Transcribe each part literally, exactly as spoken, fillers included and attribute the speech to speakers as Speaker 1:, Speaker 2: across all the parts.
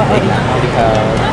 Speaker 1: สวัสดีครับสวัสดีครับ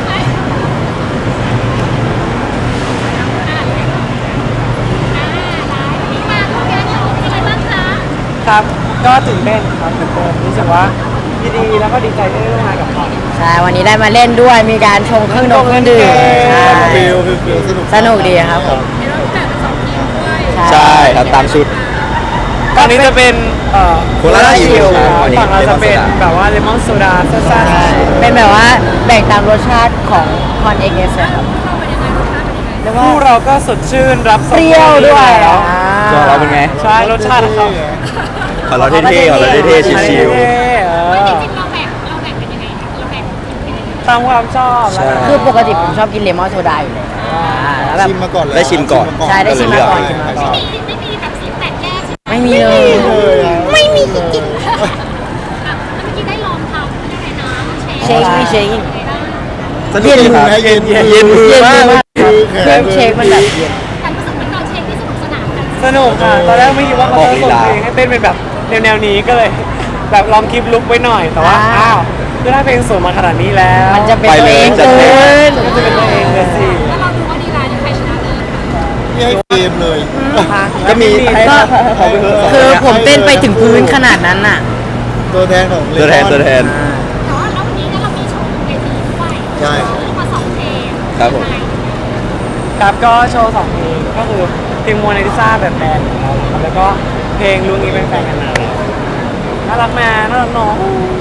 Speaker 2: ครับก็ตื่นเต้นครับตื่นเต้นรู้สึกว่ายินดีแล้วก็ดีใจที่ได้ร่วมงานกับเขา
Speaker 3: ใช่วันนี้ได้มาเล่นด้วยมีการชงเครื่องดองเครื่องดื่มใช่
Speaker 1: ฟิลฟิลฟิลสนุก
Speaker 3: สนุกดีครับผม
Speaker 1: ใช่ครับตามชุด
Speaker 2: ฝั่งนี้จะเป็นเอ่อ
Speaker 1: โคลาชิลครับอันนี้
Speaker 2: ฝั่งเราจะเป็น
Speaker 1: เลมอนโซดา
Speaker 2: แบบว่าเลมอนโซดาซ่า
Speaker 3: ใช่เป็นแบบว่าแบ่งตามรสชาติของคอนเอ็กเอสครับเรียก
Speaker 2: ๆ
Speaker 3: ว่า
Speaker 2: คู่เราก็สดชื่นรับ
Speaker 3: เปรี้ยวด้วย
Speaker 2: แล้ว
Speaker 3: อ่า
Speaker 1: ตัวเราเป็นไง
Speaker 2: ใช่รสชาติเขา
Speaker 1: ขอเราเท่ๆขอเราเท่ๆชิว
Speaker 2: เท่ๆเออ
Speaker 4: จริงๆเราแบ่งเราแบ่งเป็นยังไงคะเราแบ่งเป็นยังไง
Speaker 2: ตามความชอบแล้วกัน
Speaker 3: คือปกติผมชอบกินเลมอนโซดาอยู่แล้วอ่าแล้วแบบ
Speaker 5: ชิมมาก่อนเลย
Speaker 1: ได้ชิมก่อน
Speaker 3: ใช่ได้ชิมมาก่อนชิมมาก่อน
Speaker 4: ไม่มีไม่มีแบบสีแตกแยกใช่ไหม
Speaker 3: ไม่มีเลย
Speaker 5: เลยอ่ะ
Speaker 3: ไม่มีจริง
Speaker 4: อ่ะแล้วเมื่อกี้ได้ลองทำยังไงนะ
Speaker 3: เชคไม่เชค
Speaker 4: ยังไงบ้าง
Speaker 1: สนุกดีครับ
Speaker 5: เย็นๆ
Speaker 1: เย็นเย็นมือ
Speaker 3: เย็น
Speaker 1: มาก
Speaker 3: มากเครื่องเชคมันแบบเย็น
Speaker 4: แต่รู้สึกเหมือนตอนเช็คที่สนุกสนานกัน
Speaker 2: สนุกค่ะตอนแรกไม่คิดว่าเขาจะส่งเพลงให้เต้นเป็นแบบแนวๆนี้ก็เลย แบบลองคลิปลุกไว้หน่อยแต่ว่าอ้าวคือถ้าเพลงสวยมาขนาดนี้แล้ว
Speaker 3: มันจะเป็น
Speaker 1: ไป
Speaker 3: ตัว
Speaker 1: เลย
Speaker 3: เอง
Speaker 1: จัด
Speaker 3: เกิ
Speaker 1: เต็ม
Speaker 3: น
Speaker 2: ก็จะเป็นตัวเองเลยสิ
Speaker 4: แล้วเราดูว่าดีไลน์ใครชนะเลย
Speaker 5: นี่ให้เกมเลย
Speaker 1: ก็มีให้
Speaker 3: ก็
Speaker 1: ขอเป็นสง
Speaker 3: คือผมเต้นไปถึงพื้นขนาดนั้นน่ะ
Speaker 5: ตัวแทนของเล
Speaker 1: ตัวแทน
Speaker 5: มอน
Speaker 1: ตัวแทน
Speaker 4: แต่ว่าแล้ววันนี้เนี่ยเรามีโชว์เวทีด้วย
Speaker 5: ใช่
Speaker 4: โชว์มาสองเพลง
Speaker 1: ครับผม
Speaker 2: ครับก็โชว์สองเพลงก็คือเพลงโมนาลิซาแบบแบนด์ของเราครับแล้วก็เพลงลุงนี้เป็นแฟนกันนานแล้วน่ารักแม่น่ารักน้อง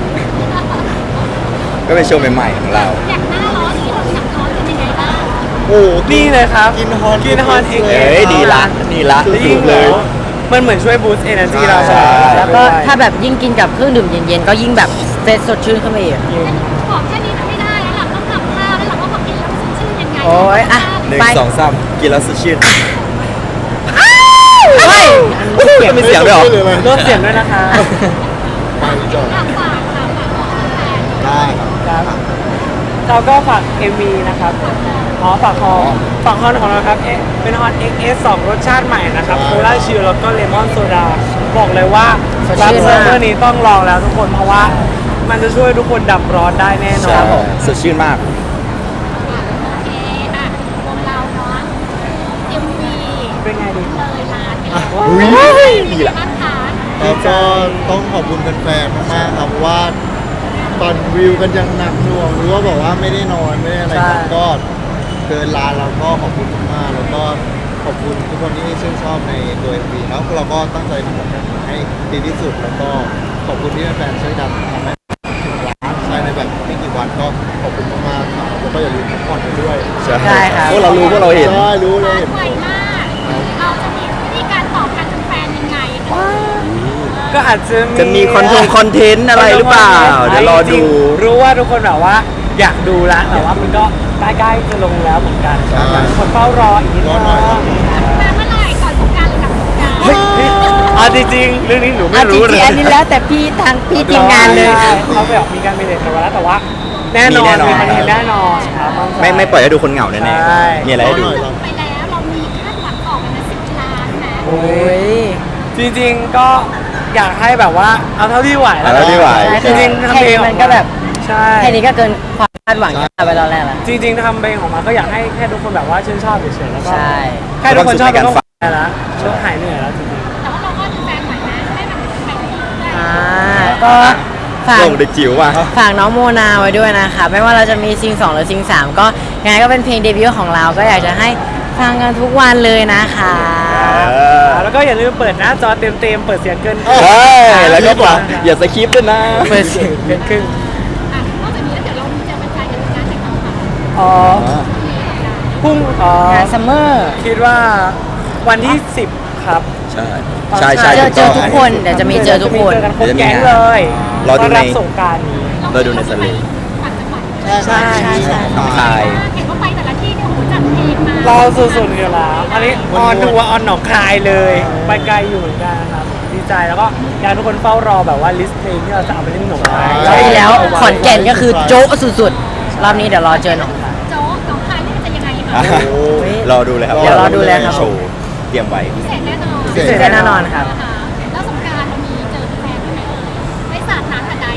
Speaker 1: ก็เป็นโชว์ใหม่ๆของเรา
Speaker 4: อยากหน้าร้อนนี้เราอยากร้อนเป็นยังไงบ้าง
Speaker 5: โอ้โห
Speaker 2: นี่เลยครับ
Speaker 5: กินฮอน
Speaker 2: กินฮอนเอง
Speaker 1: เอ้ยดีละดีละ
Speaker 2: แล้ว
Speaker 1: ถู
Speaker 2: ยิ่ง
Speaker 1: กเลย
Speaker 2: มันเหมือนช่วยบูสต์เอเนอร์จีเรา
Speaker 1: ใช่
Speaker 3: แล้วก็ถ้าแบบยิ่งกินกับเครื่องดื่มเย็นๆก็ยิ่งแบบเฟรชสดชื่นขึ้นไปอีก
Speaker 4: บอกแค่นี้มันไม่ได้แล้วหลังต้องทำท่าแล้วหลังว่าแบบกินแล้วสดชื่นยังไง
Speaker 3: โอ้ยอ่ะ
Speaker 1: หนึ่ง
Speaker 3: ไป
Speaker 1: สองสามกินแล้วสดชื่น
Speaker 3: เฮ้ย
Speaker 1: มีเสียงด้วยเหรอ
Speaker 2: ลดเสียงด้วยนะคะ
Speaker 5: ไปจบ
Speaker 4: ฝากฝากฝากฝากบอกแฟน
Speaker 5: ได้ครับ
Speaker 2: ครับเราก็ฝาก เอ็ม วี นะครับอ๋อฝากฮอฝากฮอนของเราครับเอ๊ะเป็นฮอน เอ็กซ์ เอส สองรสชาติใหม่นะครับโคลาชิลแล้วก็เลมอนโซดาบอกเลยว่า
Speaker 3: สด
Speaker 2: รับ
Speaker 3: ชื่น
Speaker 2: เซิ
Speaker 3: มาก
Speaker 2: ร์ฟเวอร์นี้ต้องลองแล้วทุกคนเพราะว่ามันจะช่วยทุกคนดับร้อนได้แน่นอ
Speaker 1: ใช่
Speaker 2: น
Speaker 1: สดชื่นมาก
Speaker 4: โอเคอ่ะวงเราเนาะ เอ็ม วี
Speaker 2: เป็นไงดี
Speaker 4: เลยล้านไปแล้ว
Speaker 1: อุ้ยดีละ
Speaker 4: บ้านคะ
Speaker 5: แล้วก็ต้องขอบคุณแฟนๆมากๆครับเพราะว่าตอนวิวกันยังหนักหน่วงหรือว่าบอกว่าไม่ได้นอนไม่ได้อะไรกันก็เกินล้านแล้วก็ขอบคุณมากๆแล้วก็ขอบคุณทุกคนที่ชื่นชอบในตัว เอ็ม วี แล้วเราก็ตั้งใจทำผลงานให้ดีที่สุดแล้วก็ขอบคุณที่แฟนๆช่วยดันทำให้ถึงล้านใช่ในแบบไม่กี่วันก็ขอบคุณมากๆครับแล้วก็อย่าลืมพักผ่อนกันด้วย
Speaker 1: ใช่
Speaker 3: ใช่ครับ
Speaker 1: พวกเรารู้พวกเราเห็น
Speaker 5: ใช่รู้เลย
Speaker 4: ไวมาก เราจะมีวิธีการตอบกันเป็นแฟนยังไง
Speaker 2: ก็อาจจะ
Speaker 1: จะมีคอนทงคอนเทนต์อะไรหรือเปล่า เดี๋ยวรอดู
Speaker 2: รู้ว่าทุกคนแบบว่าอยากดูแล้วแต่ว่ามันก็ใกล้ๆจะลงแล้วเหมือนกัน
Speaker 5: ใช่
Speaker 2: คนเฝ้ารออีกนิด
Speaker 5: รอหน่อยรอหน่อย
Speaker 4: มาเมื่อไหร่ก่อนสงกรารหรือหลังสงกราร
Speaker 2: เฮ้ยเฮ้ยเอาจริงๆเรื่องนี้หนูไม่
Speaker 3: อ่ะจ
Speaker 2: รู้
Speaker 3: ริ
Speaker 2: เล
Speaker 3: ง
Speaker 2: ย
Speaker 3: ๆอันนี้แล้วแต่พี่ทางพี่ทีมงานเลย
Speaker 2: ใช่เขาไปออกมีการเมเนจกันมาแล้วแต่ว่า แน่นอน
Speaker 1: มีแน่นอน
Speaker 2: มีคอนเทนต์แน่นอนครับนใจ
Speaker 1: ไม่ไม่ปล่อยให้ดูคนเหงาแน่
Speaker 2: ใช่
Speaker 1: ๆมีอะไรให้ดู
Speaker 5: รอหน่อยรอ
Speaker 4: ไปแล้วเรามีคาดหวังออกกันนะสิบล้านนะ
Speaker 3: โอ้ย
Speaker 2: จริงๆก็อยากให้แบบว่าเอาเท่าที่ไหวแล้ว
Speaker 1: เอาเท่าที่ไหว
Speaker 2: จริงๆทำ
Speaker 3: แค่
Speaker 2: เพลง
Speaker 3: นี้
Speaker 2: ออ
Speaker 3: มันก็แบบ
Speaker 2: ใช่
Speaker 3: แค่นี้ก็เกินความคาดหวังที่เราไปตอนแรกแล้ว
Speaker 2: จริงๆทำเพลงออกมาก็อยากให้แค่ทุกคนแบบว่าชื่นชอบเฉยๆแล้วก็
Speaker 3: ใช่
Speaker 2: แค่ทุกคนชอบ
Speaker 1: มีความสุขในการ
Speaker 2: ก็
Speaker 1: ฟัง
Speaker 2: ได้แล้วช่วงหายเหนื่อยแล้วจริง
Speaker 4: แต่ว่าเราก็ดูแฟนใหม่นะให้มันไปเรื่อยๆ
Speaker 3: อ่าก็ฝาก
Speaker 1: ลงเด็กจิ๋วว่ะ
Speaker 3: ฝากน้องโมนาไว้ด้วยนะคะไม่ว่าเราจะมีซิงสองหรือซิงสามก็ยังไงก็เป็นเพลงเดบิวต์ของเราก็อยากจะให้ฟังกันทุกวันเลยนะคะ
Speaker 2: ๆแล้วก็อย่าลืมเปิดหน้าจอเต็มๆเปิดเสียงเกินครึ่ง
Speaker 1: ใช่แล้วก็บอกอย่าสคริปต์ด้วยนะ
Speaker 2: เปิดเสียงเกินครึ่ง
Speaker 4: อ่ะนอกจากนี้แล้วเดี๋ยวเราจะเป็นการจัดงานแต่งงานค่ะ
Speaker 2: อ๋อพรุ่งอ๋อง
Speaker 3: านซัมเมอร์
Speaker 2: คิดว่าวันที่สิบครับ
Speaker 1: ใช่ใช่ใช่
Speaker 3: เจอเจอ
Speaker 1: ถู
Speaker 3: ทุ
Speaker 1: ก
Speaker 3: ก
Speaker 1: ต้ง
Speaker 3: คนเดี๋ยวจะมีเจอทุกคน
Speaker 2: เจอกันครบแก๊งเลย
Speaker 1: รอดูใน
Speaker 2: ต้นบสงกรารนี้
Speaker 1: เราดูในสลิป
Speaker 4: ต่างจังหวัด
Speaker 5: ใช่ใช่ใช่
Speaker 1: น้องคาย
Speaker 4: เห็นว่าไปแต่ละที่เนี่ยโอ้โหจัดเพลงมา
Speaker 2: เราสุดๆอยู่แล้วอันนี้ออนทัวร์ออนหนองคายเลย ไปไกลอยู่เหมือนกันครับดีใจแล้วก็อยากให้ทุกคนเฝ้ารอแบบว่าลิสต์เพลงที่เราจะเอาไปเล่นหนองคาย
Speaker 3: รอบที่แล้วขอนแก่นก็คือโจ๊ะสุดๆ รอบนี้เดี๋ยวรอเจอหน่อย
Speaker 4: โจ๊กหนองคายนี่มันจะยังไง
Speaker 1: อ่ะ
Speaker 4: คะ
Speaker 1: รอดูเลยครับ
Speaker 3: เดี๋ยวรอดูเลยครับ
Speaker 1: โชว์เตรียมไว้
Speaker 4: พิเศษแน่นอน
Speaker 3: พิเศษแน่นอนครับ
Speaker 4: นะคะแล้วสงกรารเรามีเจอแฟนไหมเอ่ยได้สาดน้ำกับไดไหม
Speaker 2: ส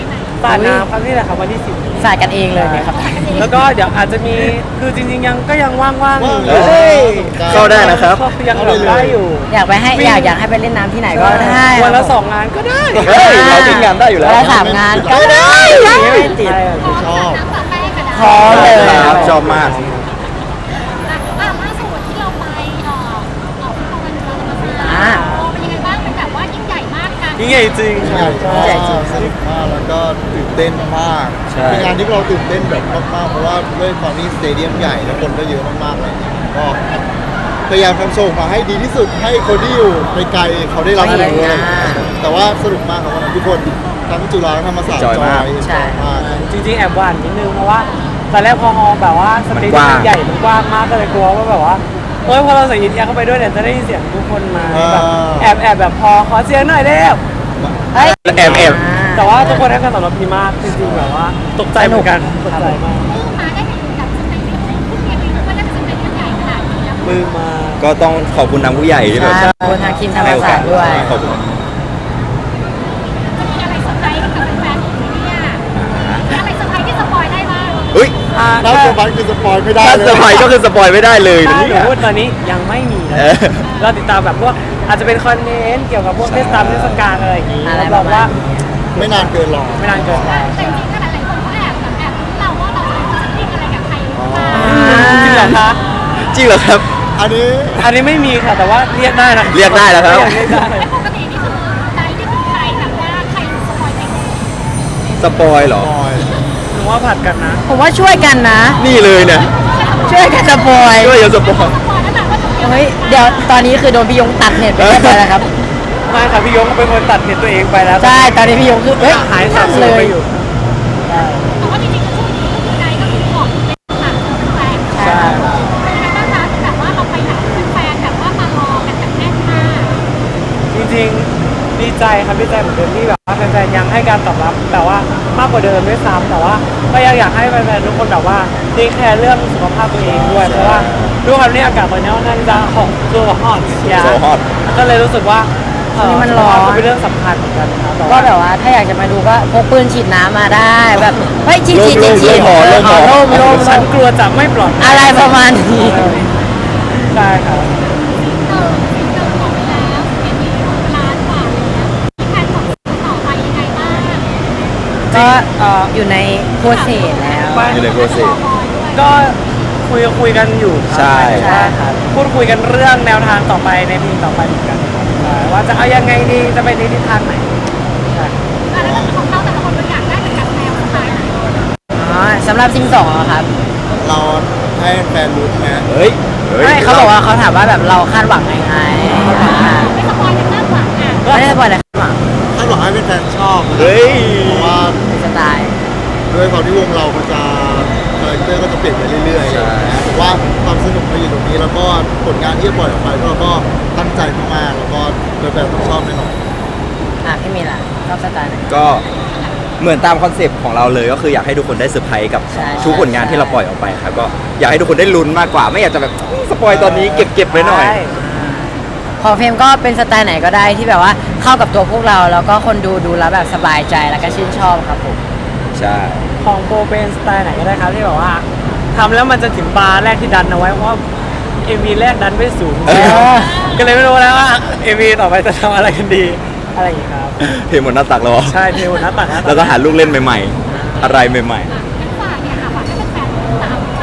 Speaker 2: สาดน้ำครับนี่แหละครับวันที่สิบ
Speaker 3: สาดกันเองเลยนะครับ
Speaker 2: แล้วก็เดี๋ยวอาจจะมีคือจริงๆยังก็ยังว่างๆอยู่
Speaker 5: ว่าง
Speaker 1: เฮ้ยเข้าได้นะครับ
Speaker 2: ยังแบบได้อยู่
Speaker 3: อยากไปให้อยากอยากให้ไปเล่นน้ำที่ไหนก็ได้
Speaker 2: วันละสองงานก็ได้
Speaker 1: เฮ้ยเราทิ้งงานได้อยู่แล้ว
Speaker 3: วันละสามงานก็ได้ไม่ติด
Speaker 5: ชอบ
Speaker 4: น้ำปลาแป้งกันนะ
Speaker 3: พร้อมเลย
Speaker 1: ครับชอบมาก
Speaker 4: อ่ะอ่ะล่าสุดที่เราไปเอ่อออกตะวันตกมา
Speaker 3: อ่า
Speaker 4: เป็นยังไงบ้างเป็นแบบว่ายิ่งใหญ่มากกัน
Speaker 2: ยิ่งใหญ่จริง
Speaker 5: ใหญ่มากสนุกมากแล้วก็ตื่นเต้นมาก
Speaker 1: ใช่
Speaker 5: เป็นงานที่เราตื่นเต้นแบบมากๆเพราะว่าด้วยความที่สเตเดียมใหญ่แล้วคนก็เยอะมากๆเลยก็พยายามทำโชว์มาให้ดีที่สุดให้คนที่อยู่ไกลๆเขาได้รับรู้อะไรอย่างเงี้ยแต่ว่าสนุกมากครับวันนั้นทุกคนทั้งจุฬาทั้งธรรมศาสตร์
Speaker 1: จอยมาก
Speaker 3: ใช่
Speaker 5: มาก
Speaker 2: จริงๆแอบหวั่นนิดนึงเพราะว่าตอนแรกพอฮอลแบบว่าสเตเดี
Speaker 1: มันก
Speaker 2: ย
Speaker 1: ว้าง
Speaker 2: มใหญ่มันกว้างมากก็เลยกลัวว่าแบบว่าเฮ้ยพอเราใส่ยินแอร์เข้าไปด้วยเนี่ยจะได้ยินเสียงทุกคนมาแบบแอบแอบแบบพอขอเสียงหน่อยเร็ว
Speaker 3: เฮ้ย
Speaker 1: แอบแอบ
Speaker 2: แต่ว่าทุกคนให้การตอบรับดีมากจริงๆแบบว่าตกใจเหมือนกันตกใจมาก
Speaker 4: เพิ่งมาได้เห็นแบบสเตเดียมเพิ่งเรียนรู้ว่าน่าจะสเตเดียมใหญ่ขนาดนี้แล้ว
Speaker 2: มือมา
Speaker 1: ก็ต้องขอบคุณทางผู้ใหญ่ที่แบบ
Speaker 3: ใช่ขอบคุณทางทีมธรรม
Speaker 1: ให้โอ
Speaker 3: ศาส
Speaker 1: กา
Speaker 3: ต
Speaker 1: ส
Speaker 3: ร์ด้วย
Speaker 1: ขอบคุณ
Speaker 4: จะมีอะไรเซอร์ไพรส์กับแฟนๆอีกไหมเนี่ยมีอะไรเซอร์ไพรส์ที่สปอยได้บ้าง
Speaker 1: เฮ้ย
Speaker 2: อ่า
Speaker 5: ถ้า
Speaker 2: ถ้า
Speaker 5: เซอร์ไพรส์คือสปอยไม่ได้
Speaker 1: ถ้า
Speaker 5: เล
Speaker 1: เซอร์ไพร
Speaker 5: ย
Speaker 1: ส์ก็คือสปอยไม่ได้เลย
Speaker 2: ถ้า
Speaker 1: นะ
Speaker 2: หนู
Speaker 1: เนี่ย
Speaker 2: พูดตอนนี้ยังไม่มีนะ
Speaker 1: เออ
Speaker 2: เราติดตามแบบพวกอาจจะเป็นคอนเทนต์เกี่ยวกับพวกเทศกาลเทศกาลอะไรอย่างนี้
Speaker 3: อะไร
Speaker 2: รับรองว่า
Speaker 3: ประมาณนี้
Speaker 5: ไม่นานเกินหรอก
Speaker 2: ไม่นานเกินไป
Speaker 4: แต่จริงๆก็หลายๆคนเขาแอบแบบแอบรู้เราว่าเราจะจะติ้งอะไรกับใครหรือเปล่า
Speaker 2: จริงเหรอคะ
Speaker 1: จริงเหรอครับ
Speaker 5: อันนี้
Speaker 2: อันนี้ไม่มีค่ะแต่ว่าเรียกได้นะ
Speaker 1: เรียกได้แล้วครับ
Speaker 2: เรียกได้
Speaker 4: แล้วปกตินี่คือใจที่คือใครแบบว่าใครสปอยใคร
Speaker 1: สปอยเหรอ
Speaker 5: สปอย
Speaker 2: หนูว่าผัดกันนะ
Speaker 3: ผมว่าช่วยกันนะ
Speaker 1: นี่เลยเนี่ย
Speaker 3: ช่วยกันสปอย
Speaker 1: ช่วยกันสปอย
Speaker 4: สปอยนั่นแหละว่าจะ
Speaker 3: เฮ้ยเดี๋ยวตอนนี้คือโดนพี่ยงตัดเน็ตไปเรียบร้อยแล้วครับ
Speaker 2: ไม่ค่ะพี่ยงเป็นคนตัดเน็ตตัวเองไปแล้ว
Speaker 3: ใช่ตอนนี้พี่ยงคือเฮ้ย
Speaker 2: หายสับสนไปอยู่
Speaker 4: แต่ว่าจริงๆก็ช่วงนี้ก็คือใจก็คือบอกเป็นหลักแฟน
Speaker 2: ใช่
Speaker 4: เป็นยังไงบ้างคะแบบว่าเราไปหาแฟนแบบว่ามารอกันแบบแน่นมาก
Speaker 2: จริงๆดีใจครับดีใจเหมือนเดิมที่แบบว่าแฟนๆยังให้การตอบรับแต่ว่ามากกว่าเดิมด้วยซ้ำแต่ว่าก็ยังอยากให้แฟนๆทุกคนแบบว่าเทคแคร์เรื่องสุขภาพตัวเองด้วยเพราะว่าด้วยความที่อากาศตอนนี้ค่อนข้างจะหอมตัวหอมเชียร์
Speaker 1: So hot
Speaker 2: ก็เลยรู้สึกว่าเ
Speaker 3: นี่มันร้อน
Speaker 2: ก็เป็นเรื่องสำคัญเหมือนกันครับ
Speaker 3: ก็แบบว่าถ้าอยากจะมาดูก็พกปืนฉีดน้ำมาได้แบบเฮ้ยฉีดฉีดฉีดฉีด
Speaker 1: ร่มร่ม
Speaker 3: เออ
Speaker 1: ร่ม
Speaker 3: ร่มร่ม
Speaker 2: ฉันกลัวจะไม่ปลอดภัย
Speaker 3: อะไรประมาณนี้
Speaker 2: ใช่ครับ
Speaker 4: เออสิ่งเดิมของไปแล้วเห็นมีล้านกว่าแล้วมีแผนของต่อไปยังไงบ้าง
Speaker 3: ก็
Speaker 2: เอ่อ
Speaker 3: อยู่ในโปรเซสแล้ว
Speaker 1: อยู่ในโปรเซส
Speaker 2: ก็คุยคุยกันอยู่ครับ
Speaker 1: ใช่
Speaker 2: ใช่ครับพูดคุยกันเรื่องแนวทางต่อไปในปีต่อไปเหมือนกันครับใช่ว่าจะเอายังไงดีจะไปในทิศทางไหนใช่
Speaker 4: แล้วของเขาแต่ละคนเราอยากได้เป็นแบบแนวสไตล์ไหน
Speaker 3: อ๋อสำหรับซิงสองเหรอครับ
Speaker 5: เราให้แฟนรู้ไหม
Speaker 1: เฮ้ยฮ้ย
Speaker 3: ไม่เขาบอกว่าเขาถามว่าแบบเราคาดหวังยังไงอ่า
Speaker 4: ไม่สปอยกันมากกว่าอ่ะ
Speaker 3: ไม่ได้สปอยล์เลยคาดหวัง
Speaker 5: ถ้าหวังให้เป็นแฟนชอบนะ
Speaker 1: เฮ้ย
Speaker 5: เพราะว่า
Speaker 3: เป็นสไตล์
Speaker 5: ด้วยความที่วงเรามันจะคาแรคเตอร์ก็จะเปลี่ยนไปเรื่อยๆ
Speaker 1: ใช่
Speaker 5: นะผมว่าความสนุกมาอยู่ตรงนี้แล้วก็ผลงานที่จะปล่อยออกไปเราก็ตั้งใจมากๆแล้วก็แฟนๆต้องชอบแน่นอน
Speaker 3: อ่ะพี่มีล่ะชอบสไตล์ไหน
Speaker 1: ก็เหมือนตามคอนเซปต์ของเราเลยก็คืออยากให้ทุกคนได้เซอร์ไพรส์กับ
Speaker 3: ใช่
Speaker 1: ทุกผลงานที่เราปล่อยออกไปครับก็อยากให้ทุกคนได้ลุ้นมากกว่า ไม่อยากจะแบบสปอยตอนนี้เก็บเก็บไว้หน่อย
Speaker 2: ใช่
Speaker 3: ของเฟรมก็เป็นสไตล์ไหนก็ได้ที่แบบว่าเข้ากับตัวพวกเรา แล้วก็คนดูดูแล้วแบบสบายใจแล้วก็ชื่นชอบครับผม
Speaker 1: ใช่
Speaker 2: ของโปรเป็นสไตล์ไหนก็ได้ครับที่แบบว่าทำแล้วมันจะถึงบาร์แรกที่ดันเอาไว้เพราะว่าเอ็มวีแรกดันไม่สูง
Speaker 1: เออ
Speaker 2: ก็เลยไม่รู้แล้วว่าเอ็มวีต่อไปจะทำอะไรกันดีอะไรอย่างนี้ครับ
Speaker 1: เทหมดหน้าตักแล้วเหรอ
Speaker 2: ใช่เทวหน้าตักหน้าตัก
Speaker 1: แล้วก็หาลูกเล่นใหม่ๆ อะไรใหม่
Speaker 4: อ่ะงั้นฝากเนี่ยค่ะฝากให้แฟนๆตามเรา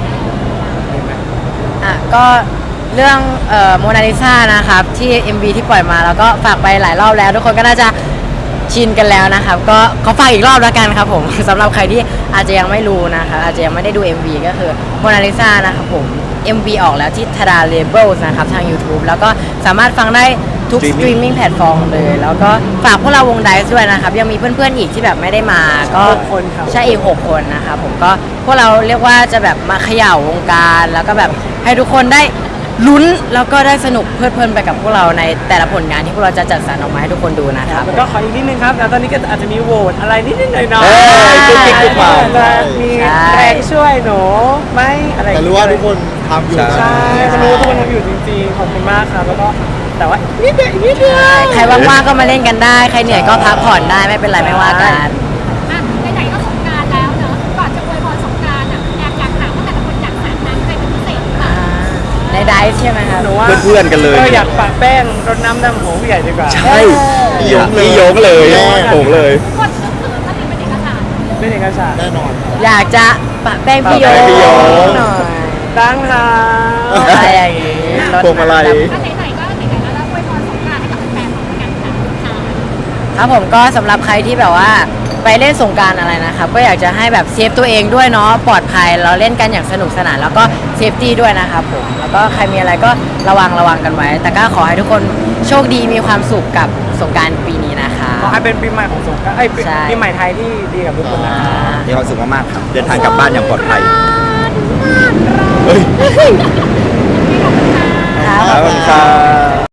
Speaker 3: อ่ะก็เรื่องเอ่อโมนาลิซานะครับที่ เอ็ม วี ที่ปล่อยมาแล้วก็ฝากไปหลายรอบแล้ว ทุกคนก็น่าจะชินกันแล้วนะครับ ก็ขอฝากอีกรอบแล้วกันครับผม สำหรับใครที่อาจจะยังไม่รู้นะครับอาจจะยังไม่ได้ดู เอ็ม วี ก็คือโมนาลิซานะครับผม เอ็ม วี ออกแล้วที่ทาดาเลเบิลนะครับทาง YouTube แล้วก็สามารถฟังได้ทุกสตรีมมิ่งแพลตฟอร์มเลย แล้วก็ฝากพวกเราวงไดซ์ด้วยนะครับ ยังมีเพื่อนๆอีกที่แบบไม่ได้มาก็
Speaker 2: หกคนครับ
Speaker 3: ใช่อีกหกคนนะครับผมก็พวกเราเรียกว่าจะแบบมาเขย่าวงการแล้วก็แบบให้ทุกคนได้ลุ้นแล้วก็ได้สนุกเพลิดเพลินไปกับพวกเราในแต่ละผลงานที่พวกเราจะจัดสรรออกมาให้ทุกคนดูนะครับ
Speaker 2: แล้วก็ขออีกนิดนึงครับแล้วตอนนี้ก็อาจจะมีโหวตอะไรนิดๆหน่อย
Speaker 1: เอ้ยกุ๊กกิ๊กกุ๊กกิ๊ก
Speaker 2: ๆจะมีแรงช่วยหนูไหมอะไรอย่
Speaker 5: แต่
Speaker 2: ง
Speaker 5: รู้
Speaker 2: เงี้ย
Speaker 5: ว่าทุกคนทำอยู่
Speaker 1: ใช่
Speaker 2: ใช่ก็รู้ว่าทุกคนทำอยู่จริงๆขอบคุณมากครับแล้วก็แต่ว่านิดเดียวอีกนิดเดียว
Speaker 3: ใครว่างๆก็มาเล่นกันได้ ใครเหนื่อยก็พักผ่อนได้ไม่เป็นไรไม่ว่ากัน
Speaker 4: อ่ะ
Speaker 3: ไดซ์ใช่ไหมครับ
Speaker 2: หนูว่า
Speaker 1: เพื่อนๆกันเลย
Speaker 2: เอออยากปะแป้งรดน้ำดำหัวผู้ใหญ่ดีกว่า
Speaker 1: ใช่พี่ยงเลยพี่ยงเลยโงเลย
Speaker 4: กดก็คือถ้าเป็นเอกสาร
Speaker 2: เป็นเอกสาร
Speaker 5: แน่นอนครับ
Speaker 3: อยากจะปะแป้งพี่โย
Speaker 1: ปะแป้งพี่โย
Speaker 3: หน่อย
Speaker 2: ตั้งหา
Speaker 3: อะไรอย่างงี้รถ
Speaker 1: พวงมาลัย
Speaker 4: ถ้าไหนๆก็ไหนๆแล้วเราอวยพรสงกรานต์ให้กับแฟนๆของกันค่ะค่ะ
Speaker 3: ครับผมก็สำหรับใครที่แบบว่าไปเล่นสงกรารอะไรนะครับ ก็อยากจะให้แบบเซฟตัวเองด้วยเนาะปลอดภัยเราเล่นกันอย่างสนุกสนานแล้วก็เซฟตี้ด้วยนะครับผมแล้วก็ใครมีอะไรก็ระวังระวังกันไว้ แต่ก็ขอให้ทุกคนโชคดีมีความสุขกับสงกรารปีนี้นะคะ
Speaker 2: ขอให้เป็นปีใหม่ของสงกรานต์เอ้ย
Speaker 3: ใช่
Speaker 2: ปีใหม่ไทยที่ดีกับทุกคนนะ
Speaker 3: อ่า
Speaker 1: มีความสุขมากๆครับ เดินทางกลับบ้านอย่างปลอดภัย
Speaker 3: ครับ
Speaker 1: ขอบคุณครับ